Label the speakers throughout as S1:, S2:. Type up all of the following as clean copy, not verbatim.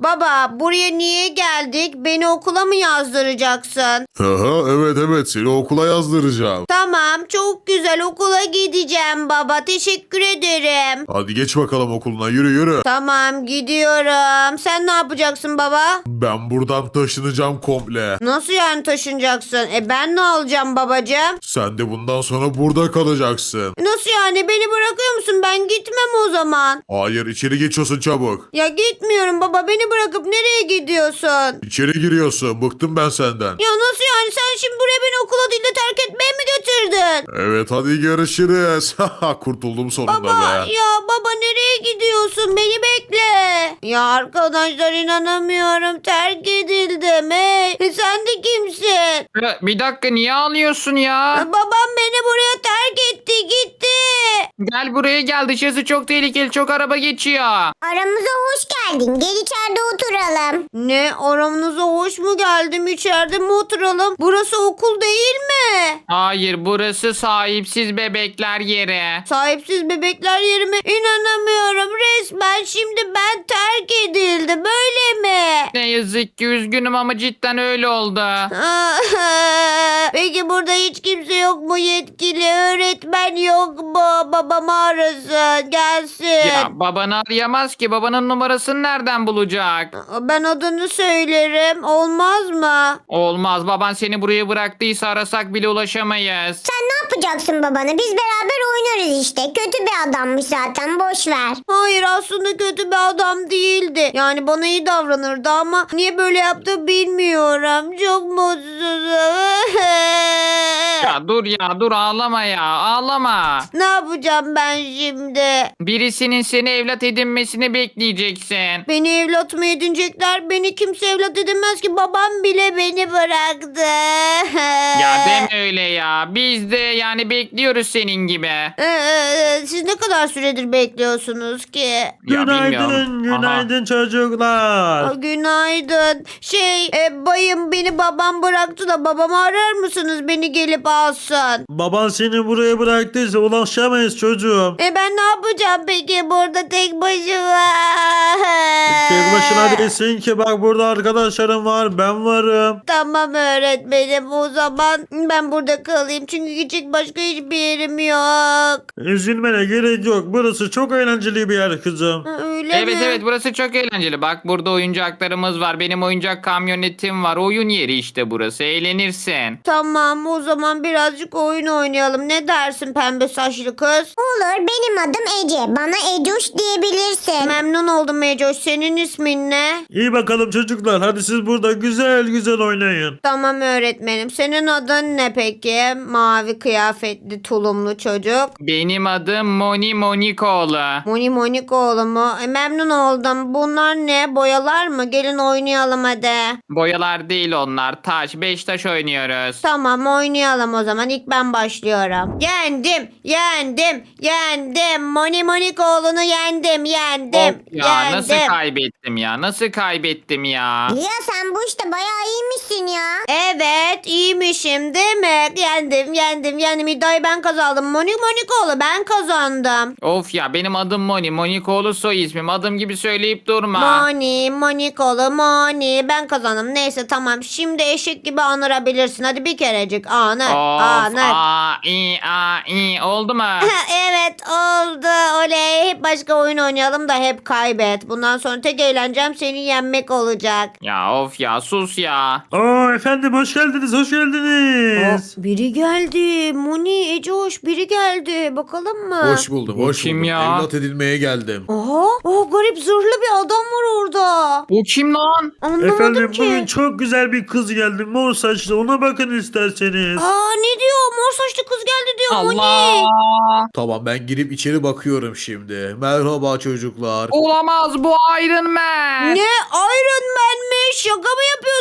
S1: Baba buraya niye geldik? Beni okula mı yazdıracaksın?
S2: Aha, evet seni okula yazdıracağım.
S1: Tamam çok güzel okula gideceğim baba. Teşekkür ederim.
S2: Hadi geç bakalım okuluna yürü.
S1: Tamam gidiyorum. Sen ne yapacaksın baba?
S2: Ben buradan taşınacağım komple.
S1: Nasıl yani taşınacaksın? Ben ne alacağım babacığım?
S2: Sen de bundan sonra burada kalacaksın.
S1: Nasıl yani beni bırakıyor musun? Ben gitmem o zaman.
S2: Hayır içeri geçiyorsun çabuk.
S1: Ya gitmiyorum baba beni bırakıp nereye gidiyorsun?
S2: İçeri giriyorsun. Bıktım ben senden.
S1: Ya nasıl yani sen şimdi buraya beni okula değil de terk etmeye mi getirdin?
S2: Evet hadi görüşürüz. Kurtuldum sonunda
S1: Baba
S2: be.
S1: ya baba nereye gidiyorsun? Beni bekle. Ya arkadaşlar inanamıyorum terk edildim. Hey sen de kimsin?
S3: Bir dakika niye ağlıyorsun ya?
S1: Babam beni buraya terk etti gitti.
S3: Gel buraya gel, dışarısı çok tehlikeli, çok araba geçiyor.
S4: Aramıza hoş geldin. Gel içeride oturalım.
S1: Ne aramıza hoş mu geldim içeride mi oturalım? Burası okul değil mi?
S3: Hayır, burası sahipsiz bebekler yeri.
S1: Sahipsiz bebekler yeri mi? İnanamıyorum resmen şimdi ben terk edildi böyle mi?
S3: Ne yazık ki üzgünüm ama cidden öyle oldu.
S1: Peki burada hiç kimse yok mu yetkili öğretmen yok mu? Babamı arasın gelsin.
S3: Ya babanı arayamaz ki, babanın numarasını nereden bulacak?
S1: Ben adını söylerim olmaz mı?
S3: Olmaz, baban seni buraya bıraktıysa arasak bile ulaşamayız.
S4: Sen ne yapacaksın babana? Biz beraber oynarız işte. Kötü bir adammış zaten. Boş ver.
S1: Hayır aslında kötü bir adam değildi. Yani bana iyi davranırdı ama niye böyle yaptı bilmiyorum. Çok mutsuzum.
S3: Ya dur ağlama ya, ağlama.
S1: Ne yapacağım ben şimdi?
S3: Birisinin seni evlat edinmesini bekleyeceksin.
S1: Beni evlat mı edinecekler? Beni kimse evlat edinmez ki. Babam bile beni bıraktı.
S3: Ya deme öyle ya. Biz de yani bekliyoruz senin gibi.
S1: Siz ne kadar süredir bekliyorsunuz ki?
S3: Ya
S5: Günaydın,
S3: bilmiyorum.
S5: günaydın çocuklar.
S1: Günaydın. Bayım beni babam bıraktı da babamı arar mısınız? Beni gelip alsın.
S5: Baban seni buraya bıraktıysa ulaşamayız çocuğum.
S1: Ben ne yapacağım peki burada tek başıma?
S5: Tek başına değilsin ki, bak burada arkadaşlarım var, ben varım.
S1: Tamam öğretmenim o zaman ben burada kalayım çünkü gidecek başka hiçbir yerim yok.
S5: Üzülmene gerek yok, burası çok eğlenceli bir yer kızım.
S1: Öyle
S3: Evet
S1: mi?
S3: evet, burası çok eğlenceli. Bak burada oyuncaklarımız var. Benim oyuncak kamyonetim var. Oyun yeri işte burası. Eğlenirsin.
S1: Tamam o zaman birazcık oyun oynayalım. Ne dersin pembe saçlı kız?
S4: Olur, benim adım Ece. Bana Ecoş diyebilirsin.
S1: Memnun oldum Mecoş. Senin ismin ne?
S5: İyi bakalım çocuklar, hadi siz burada güzel güzel oynayın.
S1: Tamam öğretmenim. Senin adın ne peki? Mavi kıyafetli tulumlu çocuk.
S3: Benim adım Moni Monikoğlu.
S1: Moni Monikoğlu mu? Memnun oldum. Bunlar ne? Boyalar mı? Gelin oynayalım hadi.
S3: Boyalar değil onlar. Taş. 5 taş oynuyoruz.
S1: Tamam oynayalım o zaman. İlk ben başlıyorum. Yendim. Moni Monikoğlu'nu yendim.
S3: Of ya, nasıl kaybettim ya? Nasıl kaybettim ya?
S4: Ya sen bu işte bayağı iyiymişsin ya.
S1: Evet iyiymişim değil mi? Yendim. İddiayı ben kazandım. Moni Monikoğlu ben kazandım.
S3: Of ya, benim adım Moni. Monikoğlu soy ismim. Adım gibi söyleyip durma.
S1: Moni Monikoğlu Moni ben kazandım. Neyse tamam şimdi eşek gibi anırabilirsin. Hadi bir kerecik anır.
S3: Of
S1: Anır.
S3: i oldu mu?
S1: Evet oldu. Oley. Hep başka oyun oynayalım da hep kaybet. Bundan sonra tek eğlencem seni yenmek olacak.
S3: Ya of ya, sus ya.
S5: Oo efendim, hoş geldiniz, hoş geldiniz.
S1: Biri geldi. Moni, Ecoş biri geldi. Bakalım mı?
S2: Hoş buldum
S3: Bu
S2: hoş
S3: kim
S2: buldum.
S3: ya?
S2: Evlat edinmeye geldim.
S1: Aha. Garip zırhlı bir adam var orada.
S3: Bu kim lan?
S1: Anlamadım
S5: Efendim
S1: ki.
S5: bugün çok güzel bir kız geldi, mor saçlı, ona bakın isterseniz.
S1: Ne diyor? Mor saçlı kız geldi diyor Moni.
S3: Allah.
S2: Tamam ben girip içeri bakıyorum şimdi. Merhaba çocuklar.
S3: Olamaz, bu Iron Man.
S1: Ne? Iron Man mi? Şaka mı yapıyorsun?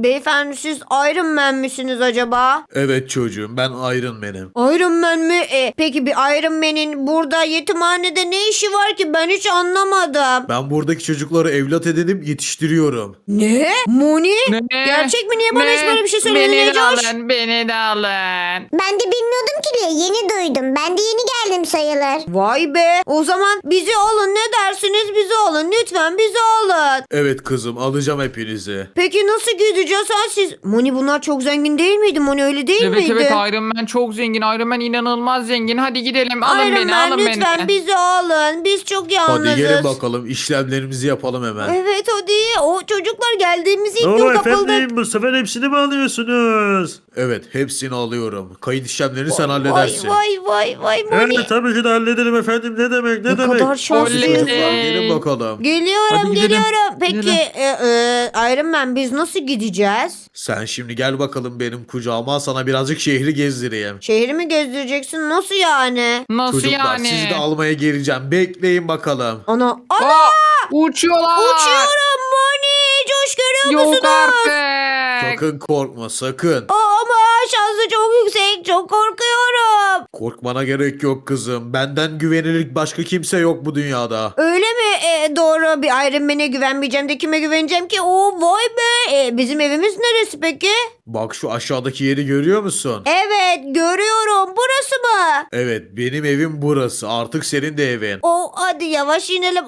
S1: beyefendi siz Iron Man misiniz acaba?
S2: Evet çocuğum, ben Iron Man'im.
S1: Iron Man mi? Peki bir Iron Man'in burada yetimhanede ne işi var ki? Ben hiç anlamadım.
S2: Ben buradaki çocukları evlat edinip yetiştiriyorum.
S1: Ne? Moni?
S3: Ne?
S1: Gerçek mi? Niye bana hiç böyle bir şey söylemedin
S3: Beni de
S1: Ecoş?
S3: alın, beni de alın.
S4: Ben de bilmiyordum ki diye yeni duydum. Ben de yeni geldim sayılır.
S1: Vay be. O zaman bizi alın. Ne dersiniz? Bizi alın. Lütfen bizi alın.
S2: Evet kızım, alacağım hepinizi.
S1: Peki nasıl gideceğiz? Ha siz? Moni bunlar çok zengin değil miydi? Moni öyle değil
S3: Evet
S1: miydi?
S3: evet, Iron Man çok zengin. Iron Man inanılmaz zengin. Hadi gidelim, alın
S1: Iron
S3: beni,
S1: Man,
S3: alın
S1: lütfen
S3: beni.
S1: bizi alın. Biz çok yalnızız.
S2: Hadi gelin bakalım, işlemlerimizi yapalım hemen.
S1: Evet hadi. O çocuklar geldiğimiz ilk
S5: Oo
S1: gün kapıldık.
S5: efendim, bu sefer hepsini mi alıyorsunuz?
S2: Evet, hepsini alıyorum. Kayıt işlemlerini sen
S1: Vay
S2: halledersin.
S1: vay Moni.
S5: Evet tabii ki de hallederim efendim, ne demek ne
S1: Ne
S5: demek.
S1: kadar şanslıyız.
S3: Oley.
S2: Çocuklar gelin bakalım.
S1: Geliyorum
S3: Hadi gidelim.
S1: geliyorum. Peki
S3: Gidelim.
S1: Iron Man biz nasıl gideceğiz?
S2: Sen şimdi gel bakalım benim kucağıma, sana birazcık şehri gezdireyim.
S1: Şehri mi gezdireceksin? Nasıl yani?
S3: Nasıl
S2: Çocuklar
S3: yani?
S2: sizi de almaya geleceğim. Bekleyin bakalım.
S1: Ana.
S3: Aa, uçuyorlar.
S1: Uçuyorum Moni. Coş görüyor
S3: Yok
S1: musunuz?
S3: artık.
S2: Sakın korkma, sakın.
S1: Ama şansı çok yüksek. Çok korkuyorum.
S2: Korkmana gerek yok kızım. Benden güvenilir başka kimse yok bu dünyada.
S1: Öyle mi? Doğru, bir Iron Man'e güvenmeyeceğim de kime güveneceğim ki? Vay be. Bizim evimiz neresi peki?
S2: Bak şu aşağıdaki yeri görüyor musun?
S1: Evet görüyorum. Burası mı?
S2: Evet, benim evim burası. Artık senin de evin.
S1: Hadi yavaş inelim.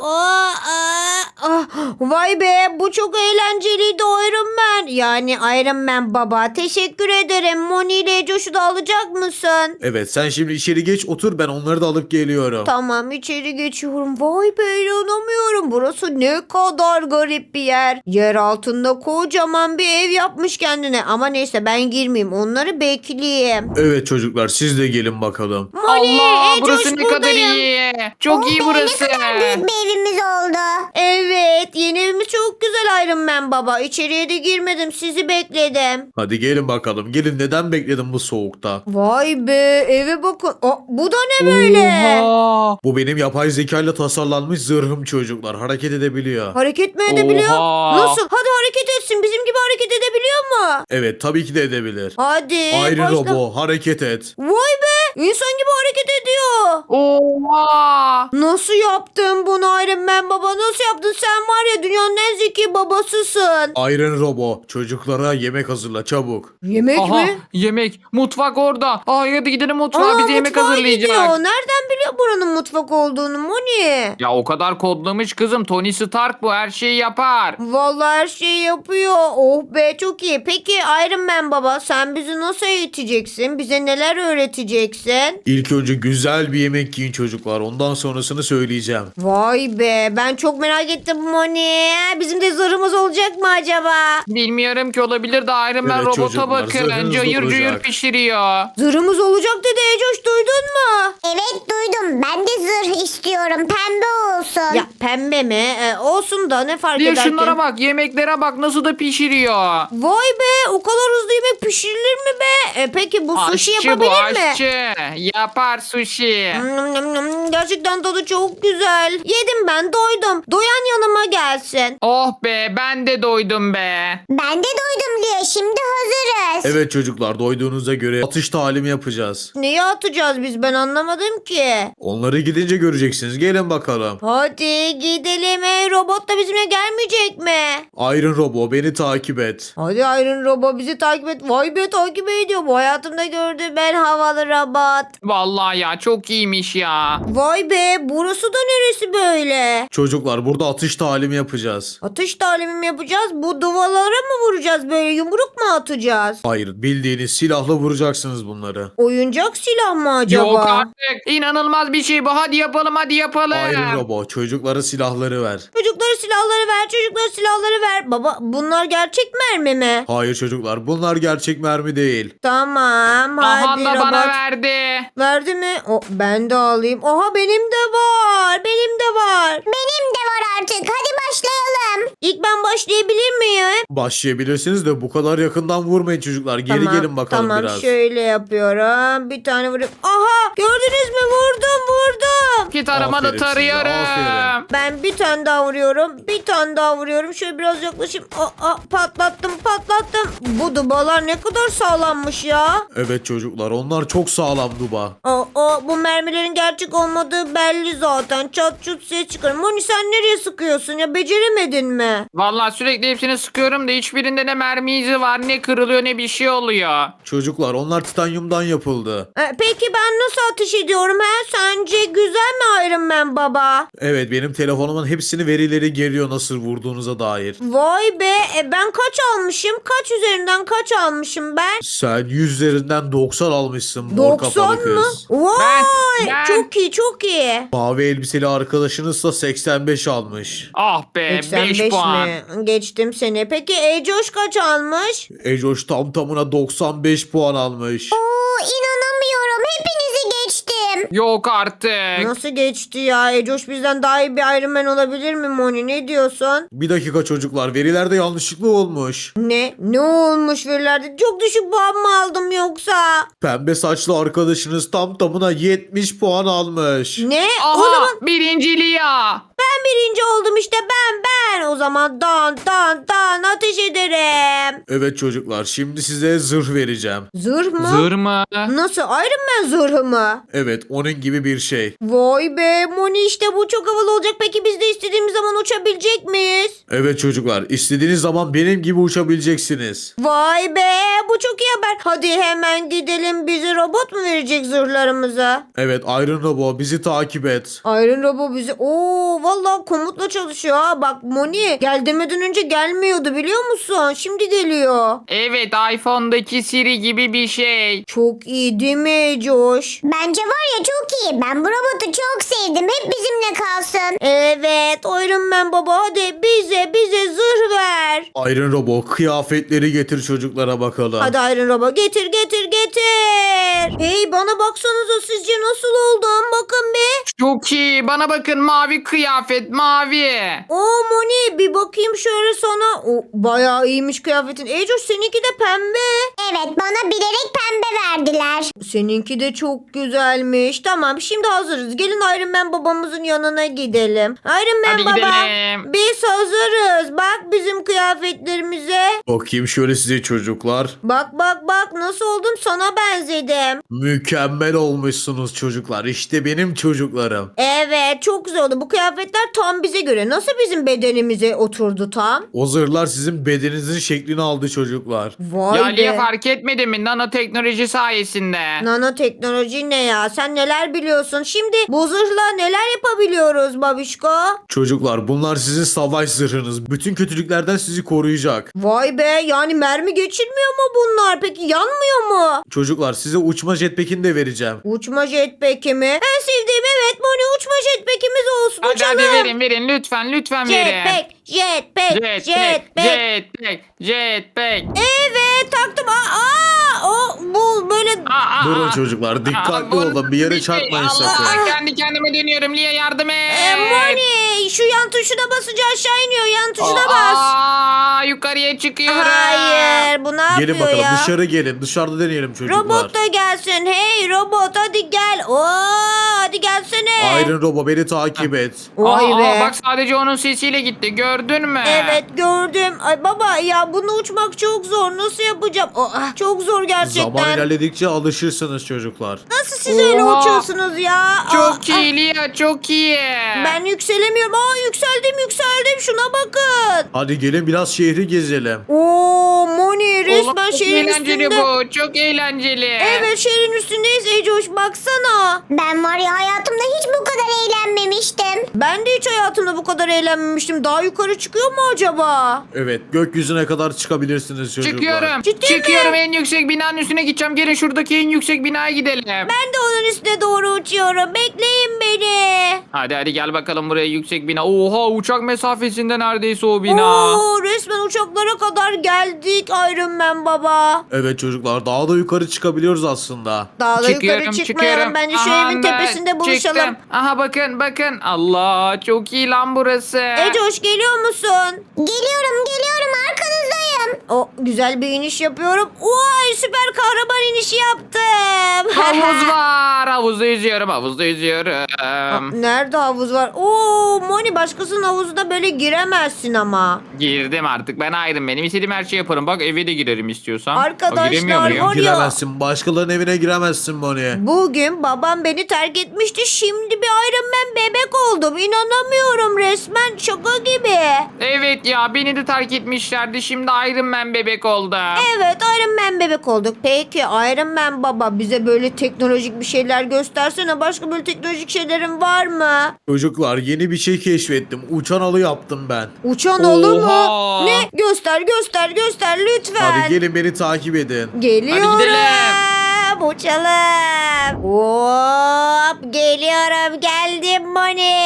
S1: Vay be, bu çok eğlenceliydi Iron Man. Yani Iron Man baba, teşekkür ederim. Moni ile Josh'u da alacak mısın?
S2: Evet, sen şimdi içeri geç otur, ben onları da alıp geliyorum.
S1: Tamam, içeri geçiyorum. Vay be, inanamıyorum. Burası ne kadar garip bir yer. Yer altında kocaman bir ev yapmış kendine. Ama neyse, ben girmeyeyim. Onları bekleyeyim.
S2: Evet çocuklar, siz de gelin bakalım.
S1: Moni,
S3: Allah,
S1: Josh
S3: burası ne kadar
S1: buradayım.
S3: iyi. Çok iyi burası.
S4: Ne kadar büyük bir evimiz oldu.
S1: Evet, yeni evimiz çok güzel Iron Man baba. İçeriye de girmedim, sizi bekledim.
S2: Hadi gelin bakalım. Gelin, neden bekledim bu soğukta?
S1: Vay be, eve bakın. Bu da ne böyle?
S3: Oha.
S2: Bu benim yapay zekayla tasarlanmış zırhım çocuklar. Hareket edebiliyor.
S1: Hareket mi edebiliyor?
S3: Oha.
S1: Nasıl? Hadi hareket etsin. Bizim gibi hareket edebiliyor mu?
S2: Evet, tabii ki de edebilir.
S1: Hadi.
S2: Iron
S1: başla.
S2: Robo, hareket et.
S1: Vay be, insan gibi hareket ediyor.
S3: Oha.
S1: Nasıl yaptın bunu Iron Man baba? Nasıl yaptın? Sen var ya, dünyanın en zeki babasısın.
S2: Iron Robo, çocuklara yemek hazırla çabuk.
S1: Yemek
S3: Aha,
S1: mi?
S3: yemek. Mutfak orada. Hadi gidelim mutfağa. Bize yemek
S1: mutfağa
S3: hazırlayacak.
S1: gidiyor. Nereden biliyor buranın mutfak olduğunu Moni?
S3: Ya o kadar kodlamış kızım. Tony Stark bu. Her şeyi yapar.
S1: Vallahi her şeyi yapıyor. Oh be, çok iyi. Peki Iron Man baba, sen bizi nasıl eğiteceksin? Bize neler öğreteceksin?
S2: İlk önce güzel bir yemek yiyin çocuklar. Ondan sonrasını söyleyeceğim.
S1: Vay be, ben çok merak ettim Moni. Bizim de zırhımız olacak mı acaba?
S3: Bilmiyorum ki, olabilir de Iron Man
S2: Evet
S3: robota
S2: çocuklar,
S3: bakın.
S2: zırhınız
S3: Cayır
S2: olacak.
S3: cayır pişiriyor.
S1: Zırhımız olacak dedi Ecoş, duydun mu?
S4: Evet duydum. Ben de zırh istiyorum. Pembe olsun.
S1: Ya pembe mi? Olsun da ne fark
S3: Bir
S1: eder ki?
S3: şunlara bak, yemeklere bak nasıl da pişiriyor.
S1: Vay be, o kadar hızlı yemek pişirilir mi be? Peki bu sushi
S3: Aşçı bu,
S1: yapabilir mi?
S3: aşçı. Yapar sushi.
S1: Gerçekten tadı çok güzel. Yedim, ben doydum. Doyan yanıma gelsin.
S3: Oh be, ben de doydum be.
S4: Ben de duydum diye şimdi hazırız.
S2: Evet çocuklar, doyduğunuza göre atış talimi yapacağız.
S1: Neyi atacağız biz, ben anlamadım ki.
S2: Onları gidince göreceksiniz. Gelin bakalım.
S1: Hadi gidelim. Robot da bizimle gelmeyecek mi?
S2: Iron Robo, beni takip et.
S1: Hadi Iron Robot bizi takip et. Vay be, takip ediyor. Bu hayatımda gördüğüm en havalı robot.
S3: Vallahi ya, çok iyiymiş ya.
S1: Vay be, burası da neresi böyle?
S2: Çocuklar, burada atış talimi yapacağız.
S1: Atış talimi mi yapacağız? Bu duvarlara mı vuracağız, böyle yumruk mu atacağız?
S2: Hayır, bildiğiniz silahla vuracaksınız bunları.
S1: Oyuncak silah mı acaba?
S3: Yok artık. İnanılmaz bir şey bu. Hadi yapalım, hadi yapalım.
S2: Iron Robo, çocuklara silahları ver.
S1: Çocuklara silahları ver, çocuklara silahları ver. Baba, bunlar gerçek mermi mi?
S2: Hayır çocuklar, bunlar gerçek mermi değil.
S1: Tamam,
S3: Aha
S1: hadi
S3: da
S1: robot.
S3: bana verdi.
S1: Verdi mi? Ben de alayım. Oha, benim de var. Benim de var.
S4: Benim de var artık. Hadi başlayalım.
S1: İlk ben başlayabilir miyim?
S2: Başlayabilirsiniz de bu kadar yakından vurmayın çocuklar. Geri gelin bakalım
S1: tamam,
S2: biraz.
S1: şöyle yapıyorum. Bir tane vurayım. Aha, gördünüz mü? Vurdum.
S3: Git arama da
S2: Aferin size,
S3: tarıyorum.
S2: aferin.
S1: Ben bir tane daha vuruyorum. Bir tane daha vuruyorum. Şöyle biraz biraz yaklaşayım. Patlattım. Bu dubalar ne kadar sağlammış ya.
S2: Evet çocuklar, onlar çok sağlam duba.
S1: Bu mermilerin gerçek olmadığı belli zaten. Çat çut ses çıkarım. Moni sen nereye sıkıyorsun ya? Beceremedin mi?
S3: Vallahi sürekli hepsini sıkıyorum da hiçbirinde ne mermi izi var, ne kırılıyor, ne bir şey oluyor.
S2: Çocuklar, onlar titanyumdan yapıldı.
S1: Peki ben nasıl ateş ediyorum he? Sence güzel mi Iron Man baba?
S2: Evet, benim telefonumun hepsini verileri geliyor nasıl vurduğunuza dair.
S1: Vay be, ben kaç almışım? Kaç üzerinden kaç almışım ben?
S2: Sen 100 üzerinden 90 almışsın mor
S1: 90
S2: kafalı
S1: mı?
S2: kız.
S1: Vay,
S3: Ben-
S1: çok iyi çok iyi.
S2: Mavi elbiseli arkadaşınızsa 85 almış.
S3: Ah be 5
S1: 85
S3: puan.
S1: mi? Geçtim seni. Peki Ecoş kaç almış?
S2: Ecoş tam tamına 95 puan almış.
S4: Oo, inanamıyorum. Hepinizi geçtim.
S3: Yok artık.
S1: Nasıl geçti ya? Ecoş bizden daha iyi bir Iron Man olabilir mi Moni? Ne diyorsun?
S2: Bir dakika çocuklar, verilerde yanlışlıkla olmuş.
S1: Ne? Ne olmuş verilerde? Çok düşük puan mı aldım yoksa?
S2: Pembe saçlı arkadaşınız tam tamına 70 puan almış.
S1: Ne?
S3: Aha
S1: O zaman
S3: birinciliği ya.
S1: ben birinci oldum işte ben. O zaman dan ateş ederim.
S2: Evet çocuklar, şimdi size zırh vereceğim.
S1: Zırh mı?
S3: Zır mı?
S1: Nasıl? Iron Man zırhı mı?
S2: Evet, onun gibi bir şey.
S1: Vay be Moni, işte bu çok havalı olacak. Peki biz de istediğimiz zaman uçabilecek miyiz?
S2: Evet çocuklar, istediğiniz zaman benim gibi uçabileceksiniz.
S1: Vay be, bu çok iyi haber. Hadi hemen gidelim, bize robot mu verecek zırhlarımızı?
S2: Evet, Iron Robo bizi takip et.
S1: Iron Robot bizi... Vallahi komutla çalışıyor ha. Bak Moni, gel demeden önce gelmiyordu biliyor musun? Şimdi geliyor.
S3: Evet iPhone'daki Siri gibi bir şey.
S1: Çok iyi değil mi Coş?
S4: Bence var ya çok iyi. Ben bu robotu çok sevdim. Hep bizimle kalsın.
S1: Evet Iron Man baba, hadi bize zırh ver.
S2: Iron Robo, kıyafetleri getir çocuklara bakalım.
S1: Hadi Iron Robot getir. Hey bana baksanıza, sizce nasıl oldum? Bakın bir.
S3: Çok iyi. Bana bakın mavi kıyafet mavi.
S1: Moni bir bakayım şöyle sana. Bayağı iyiymiş kıyafetin. Ecoş seninki de pembe.
S4: Evet, bana bilerek pembe verdiler.
S1: Seninki de çok güzelmiş. Tamam şimdi hazırız. Gelin Iron Man babamızın yanına gidelim. Iron Man
S3: Hadi
S1: baba.
S3: gidelim.
S1: Biz hazırız. Bak bizim kıyafetlerimize.
S2: Bakayım şöyle size çocuklar.
S1: Bak nasıl oldum, sana benzedim.
S2: Mükemmel olmuşsunuz çocuklar. İşte benim çocuklarım.
S1: Evet çok güzel oldu. Bu kıyafetler tam bize göre. Nasıl bizim bedenimize oturdu tam?
S2: O zırhlar sizin bedeninizin şeklini aldı çocuklar.
S1: Vay
S3: Ya
S1: be.
S3: niye fark etmedin mi nanoteknoloji sayesinde?
S1: Nanoteknoloji ne ya? Sen neler biliyorsun? Şimdi bu zırhla neler yapabiliyoruz babişko?
S2: Çocuklar, bunlar sizin savaş zırhınız. Bütün kötülüklerden sizi koruyacak.
S1: Vay be, yani mermi geçirmiyor mu bunlar? Peki yanmıyor mu?
S2: Çocuklar, size uçma jetpack'ini de vereceğim.
S1: Uçma jetpack'i mi? En sevdiğim, evet Moni, uçma jetpack'imiz olsun.
S3: Hadi
S1: uçalım.
S3: verin lütfen verin.
S1: Jetpack.
S3: Jetpack.
S1: Evet taktım. Bu böyle...
S2: Durun çocuklar, dikkatli olun, bir yere çarpmayın sakın.
S3: Allah, kendi kendime dönüyorum. Liye yardım et.
S1: Moni şu yan tuşuna basınca aşağı iniyor. Yan tuşuna bas.
S3: Yukarıya çıkıyorum.
S1: Hayır, bu ne yapıyor
S2: Gelin bakalım,
S1: ya?
S2: dışarı gelin. Dışarıda deneyelim çocuklar.
S1: Robot da gelsin. Hey robot hadi gel. Hadi gelsene.
S2: Iron Robo, beni takip et.
S1: Vay be.
S3: Bak sadece onun sesiyle gitti. Gördün mü?
S1: Evet gördüm. Ay baba ya, bunu uçmak çok zor. Nasıl yapacağım? Çok zor gerçekten.
S2: Zaman ilerledikçe alışırsınız çocuklar.
S1: Nasıl siz öyle
S3: Oha.
S1: uçuyorsunuz ya?
S3: Çok iyi Lia, çok iyi.
S1: Ben yükselemiyorum. Yükseldim. Şuna bakın.
S2: Hadi gelin biraz şehri gezelim.
S1: Moni resmen
S3: Oğlum, çok
S1: şehrin
S3: eğlenceli
S1: üstünde.
S3: bu. Çok eğlenceli.
S1: Evet şehrin üstündeyiz Ecoş, baksana.
S4: Ben var ya hayatımda hiç bu kadar eğlenmemiştim.
S1: Ben de hiç hayatımda bu kadar eğlenmemiştim. Daha yukarı çıkıyor mu acaba?
S2: Evet, gökyüzüne kadar çıkabilirsiniz çocuklar.
S3: Çıkıyorum.
S1: Ciddi
S3: Çıkıyorum,
S1: mi?
S3: en yüksek binanın üstüne gideceğim. Gelin şuradaki en yüksek binaya gidelim.
S1: Ben de onun üstüne doğru uçuyorum. Bekleyin beni.
S3: Hadi gel bakalım buraya, yüksek bina. Oha, uçak mesafesinde neredeyse o bina.
S1: Resmen uçaklara kadar geldik Iron Man baba.
S2: Evet çocuklar, daha da yukarı çıkabiliyoruz aslında.
S1: Daha da
S3: Çıkıyorum,
S1: yukarı çıkmayalım. Bence şu
S3: Aha,
S1: evin
S3: ben
S1: tepesinde buluşalım.
S3: çıktım. Aha bakın. Allah, çok iyi lan burası.
S1: Ecoş geliyor musun?
S4: Geliyorum arkanızdayım.
S1: O güzel bir iniş yapıyorum. Vay süper kahraman inişi yaptım.
S3: Havuz var. Havuzda yüzüyorum. Havuzda yüzüyorum.
S1: Nerede havuz var? Oo Moni başkasının havuzuna böyle giremezsin ama.
S3: Girdim artık. Ben ayrım. Benim istediğim her şeyi yaparım. Bak eve de girerim istiyorsan.
S1: Arkadaşlar,
S3: Giremiyor muyum?
S1: var ya.
S2: Giremezsin. Başkalarının evine giremezsin Moni.
S1: Bugün babam beni terk etmişti. Şimdi bir Iron Man bebek oldum. İnanamıyorum resmen şaka gibi.
S3: Evet ya beni de terk etmişlerdi. Şimdi Iron Man bebek oldu.
S1: Evet Iron Man bebek olduk. Peki Iron Man baba bize böyle teknolojik bir şeyler göstersene. Başka böyle teknolojik şeylerin var mı?
S2: Çocuklar yeni bir şey keşfettim. Uçan alı yaptım ben.
S1: Uçan olur mu?
S3: Oha.
S1: Ne? Göster lütfen.
S2: Hadi gelin beni takip edin.
S1: Geliyorum.
S3: Hadi gidelim.
S1: Uçalım. Hop geliyorum. Geldim Moni.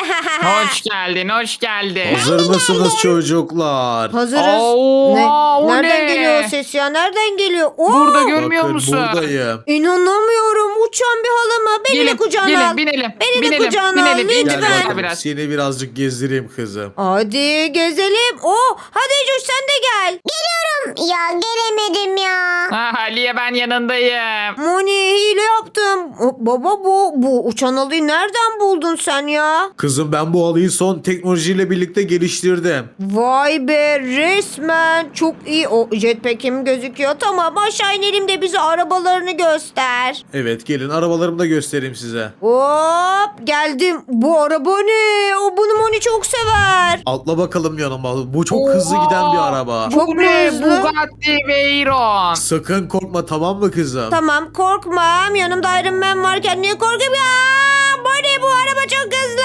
S3: Hoş geldin, hoş geldin.
S2: Hazır mısınız çocuklar?
S1: Hazırız.
S3: Oha, o
S1: Nereden
S3: ne?
S1: geliyor o ses ya? Nereden geliyor? Oo,
S3: Burada görmüyor
S2: Bakın
S3: musun?
S2: buradayım.
S1: İnanamıyorum. Uçan bir halı mı? Beni de kucağına al.
S3: binelim.
S1: Beni de
S3: binelim,
S1: kucağına al
S3: binelim.
S2: Gel
S1: lütfen.
S3: Orada
S2: bakalım,
S3: biraz.
S2: seni birazcık gezdireyim kızım.
S1: Hadi gezelim. Hadi Coş sen de gel.
S4: Ya gelemedim ya.
S3: Ha, Aliye ben yanındayım.
S1: Moni hile yaptım. Baba bu uçan halıyı nereden buldun sen ya?
S2: Kızım ben bu halıyı son teknolojiyle birlikte geliştirdim.
S1: Vay be resmen çok iyi. O jetpack'im gözüküyor. Tamam aşağı inelim de bize arabalarını göster.
S2: Evet gelin arabalarımı da göstereyim size.
S1: Hop geldim. Bu araba ne? Bunu Moni çok sever.
S2: Atla bakalım yanıma. Bu çok hızlı giden bir araba.
S1: Çok
S3: Bu
S1: mu
S3: ne?
S1: hızlı?
S3: Bugatti Veyron.
S2: Sakın korkma tamam mı kızım?
S1: Tamam korkmam. Yanımda Iron Man varken niye korkayım ya? Moni bu araba çok hızlı.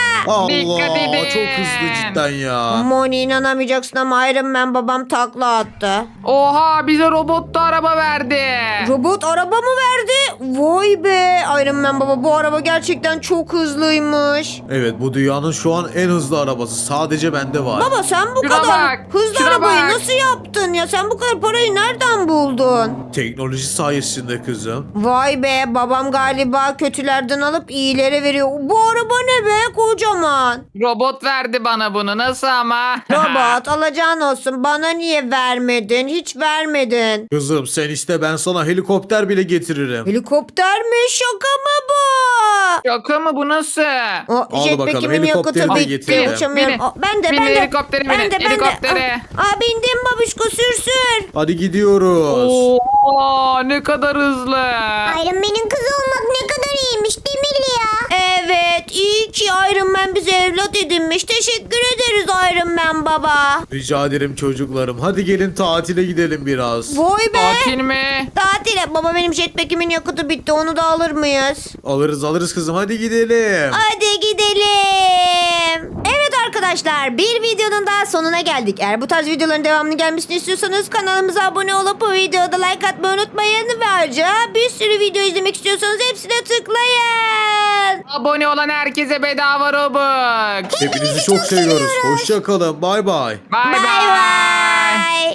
S3: Dikkat edin.
S2: Allah çok hızlı cidden ya.
S1: Moni inanamayacaksın ama Iron Man babam takla attı.
S3: Oha bize robotlu araba verdi.
S1: Robot araba mı verdi? Vay be Iron Man baba bu araba gerçekten çok hızlıymış.
S2: Evet bu dünyanın şu an en hızlı arabası. Sadece bende var.
S1: Baba sen bu
S3: Şuna
S1: kadar
S3: bak,
S1: hızlı
S3: şuna
S1: arabayı
S3: bak.
S1: nasıl yaptın ya? Sen bu kadar parayı nereden buldun?
S2: Teknoloji sayesinde kızım.
S1: Vay be babam galiba kötülerden alıp iyilere veriyor. Bu araba ne be kocaman.
S3: Robot verdi bana bunu. Nasıl ama?
S1: Robot alacağın olsun bana niye vermedin? Hiç vermedin.
S2: Kızım sen iste ben sana helikopter bile getiririm.
S1: Helikopter mi? Şaka mı bu?
S3: Şaka mı bu nasıl?
S1: O
S2: Al
S1: jetpack'imin
S2: bakalım,
S1: yakıtı
S2: helikopteri de
S1: bitti.
S2: getirelim.
S1: Uçamıyorum.
S3: Binin.
S1: Ben de
S3: Binin,
S1: ben de.
S3: helikoptere binin, helikoptere.
S1: Bindim babişko sür.
S2: Hadi gidiyoruz.
S3: Oha ne kadar hızlı.
S4: Iron Man'in kızı olmak ne kadar iyiymiş değil mi Lia?
S1: Evet iyi ki Iron Man bize evlat edinmiş. Teşekkür ederiz Iron Man baba.
S2: Rica ederim çocuklarım. Hadi gelin tatile gidelim biraz.
S1: Vay be.
S3: Tatil mi?
S1: Tatile. Baba benim jetpack'imin yakıtı bitti. Onu da alır mıyız?
S2: Alırız kızım hadi gidelim.
S1: Hadi gidelim. Evet arkadaşlar bir videonun daha sonuna geldik. Eğer bu tarz videoların devamını gelmesini istiyorsanız kanalımıza abone olup bu videoda like atmayı unutmayın. Ve ayrıca bir sürü video izlemek istiyorsanız hepsine tıklayın.
S3: Abone olan herkese bedava Robux.
S2: Hepinizi çok seviyoruz. Hoşça kalın. Bay bay.
S3: Bay
S1: Bay
S3: bay.
S1: bay.